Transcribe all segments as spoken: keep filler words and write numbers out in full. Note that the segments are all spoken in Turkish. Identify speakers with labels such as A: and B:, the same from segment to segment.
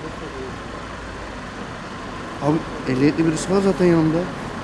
A: Abi ehliyetli birisi var zaten yanımda.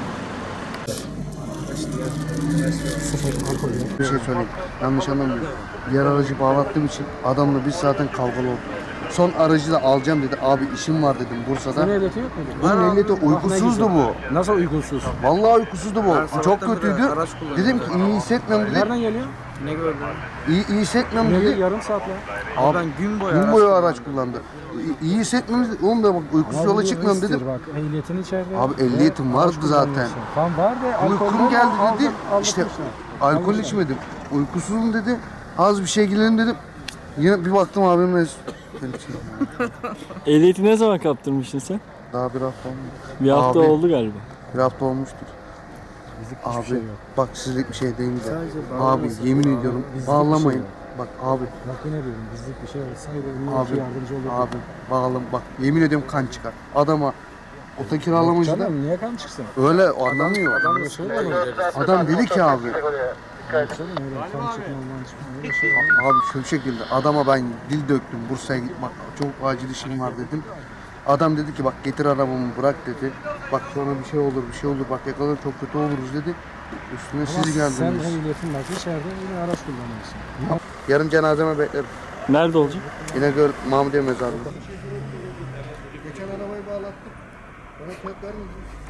A: Bir şey söyleyeyim. Yanlış anlamıyorum. Diğer aracı bağlattığım için adamla biz zaten kavgalı olduk. Son aracı da alacağım dedi. Abi işim var dedim Bursa'da.
B: Senin ehliyeti yok muydu?
A: Bunun ehliyeti uykusuzdu bu.
B: Nasıl uykusuz?
A: Vallahi uykusuzdu bu. Çok kötüydü. Dedim ki iyi hissetmiyorum dedi.
B: Nereden geliyor?
C: Ne gördün?
A: İyi, iyi hissetmiyorum
B: Ne
A: dedi.
B: yarım saat lan.
A: Abi
C: Ben gün boyu
A: gün
C: araç
A: boyu araç kullandı. İyi, iyi hissetmiyorum dedi. Oğlum da bak uykusuz yola çıkmıyorum dedim.
B: Bak ehliyetin içeride.
A: Abi ehliyetim vardı zaten.
B: Tam var da alkol
A: Uykum geldi dedi. İşte alkol içmedim. Uykusuzum dedi. Az bir şey girelim dedim. Yine bir baktım abim mes.
D: Ehliyeti ne zaman kaptırmışsın sen?
A: Daha bir hafta olmuş.
D: Bir hafta
A: Abi.
D: oldu galiba.
A: Bir hafta olmuştur. Abi
B: şey yok.
A: bak sizlik bir şey değil de.
B: Sadece
A: Abi
B: bağlamasın.
A: yemin
B: Abi,
A: ediyorum
B: bizlik bir şey
A: bağlamayın.
B: yok.
A: Bak abi
B: Bak yine diyorum bizlik bir şey olsaydı
A: abi
B: illa yardımcı olurdu.
A: abi bağlam bak yemin ediyorum kan çıkar. Adama oto kiralamacı da
B: Canım niye kan çıksın?
A: öyle anlamıyor. Adam,
B: Öyle söyleme.
A: adam dedi ki abi
B: Söyleme öyle kan çıkmadan çıkmıyor. Öyle şey yok.
A: abi şu şekilde adama ben dil döktüm Bursa'ya gitmek çok acil işim var dedim. Adam dedi ki bak getir arabamı bırak dedi. Bak sonra bir şey olur bir şey olur bak yakalanır çok kötü oluruz dedi. Üstüne
B: Ama
A: siz
B: sen
A: geldiniz.
B: ehliyetin var içeride yine araç kullanıyorsun.
A: Yarın cenazeme beklerim.
D: Nerede olacak?
A: İnegöl Mahmudiye mezarlığı. Geçen arabayı bağlattık. Bana kağıt vermediniz.